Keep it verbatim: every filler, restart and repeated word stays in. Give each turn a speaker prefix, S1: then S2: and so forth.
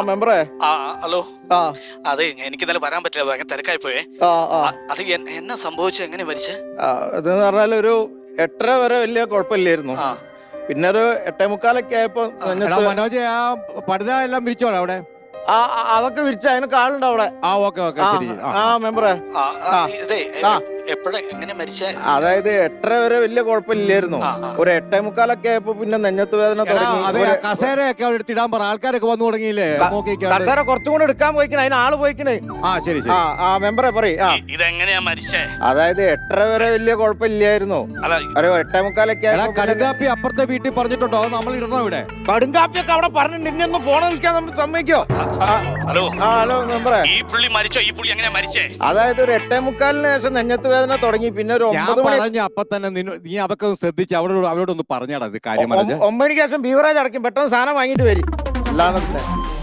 S1: മെമ്പറേ.
S2: ആ ഹലോ.
S1: ആ
S2: അതെ, എനിക്ക് ഇന്നലെ വരാൻ പറ്റില്ല, ഭയങ്കര തിരക്കായി പോയേ.
S1: ആ ആ
S2: അത് എന്നാ സംഭവിച്ചത്, എങ്ങനെ മരിച്ചേ?
S1: ഇതെന്ന് പറഞ്ഞാൽ ഒരു എട്ടര വരെ വലിയ കുഴപ്പമില്ലായിരുന്നു.
S2: ആ
S1: പിന്നെ ഒരു എട്ടേ മുക്കാലൊക്കെ ആയപ്പോ
S3: മനോജ് ആ പടുത എല്ലാം വിരിച്ചോളാം അവിടെ.
S1: ആ അതൊക്കെ വിരിച്ച അതിന് കാളുണ്ട് അവിടെ.
S3: ആ ഓക്കെ ഓക്കെ ശരി.
S1: ആ മെമ്പറേ,
S2: ഇതേ എപ്പോഴാ എങ്ങനെ മരിച്ചേ?
S1: അതായത് എട്ടര വരെ വലിയ കുഴപ്പമില്ലായിരുന്നു. ഒരു എട്ടേ മുക്കാലൊക്കെ ആയപ്പോ പിന്നെ നെഞ്ഞത്ത് വേദന തുടങ്ങി.
S3: കസേരയൊക്കെ അവിടെ എടുത്തിടാൻ പറ, ആൾക്കാരൊക്കെ വന്നു തുടങ്ങിയില്ലേ?
S1: കസേര കുറച്ചും കൂടെ എടുക്കാൻ പോയിക്കണേ, അതിന് ആള് പോയിക്കണേ.
S3: ആ ശരി
S1: ആ ആ മെമ്പറെ പറയും.
S2: ഇതെങ്ങനെയാ മരിച്ചേ?
S1: അതായത് എട്ടര വരെ വലിയ കുഴപ്പമില്ലായിരുന്നു. ഒരു എട്ടേ മുക്കാലൊക്കെ
S3: കടുങ്കാപ്പി അപ്പുറത്തെ വീട്ടിൽ പറഞ്ഞിട്ടുണ്ടോ? നമ്മൾ ഇടണോ ഇവിടെ?
S1: കടുങ്കാപ്പിയൊക്കെ അവിടെ പറഞ്ഞിട്ട് ഇനി ഒന്ന് ഫോൺ വിളിക്കാൻ നമ്മൾ സമ്മതിക്കോ?
S2: ഹലോ
S1: ഹലോ മെമ്പറെ,
S2: ഈ പുള്ളി മരിച്ചോ? ഈ പുള്ളി എങ്ങനെയാ മരിച്ചേ?
S1: അതായത് ഒരു എട്ടേ മുക്കാലിന് ശേഷം നെഞ്ഞത്ത് വേദന തുടങ്ങി. പിന്നെ ഒരു ഒമ്പത് മണി
S3: അപ്പൊ തന്നെ നീ അതൊക്കെ ശ്രദ്ധിച്ച് അവരോട് അവരോടൊന്ന് പറഞ്ഞാടാ ഇത് കാര്യം.
S1: ഒമ്പത് മണിക്ക് ശേഷം ബീവറേജ് അടയ്ക്കും. പെട്ടെന്ന് സാധനം വാങ്ങിട്ട് വരും. അല്ലാതെ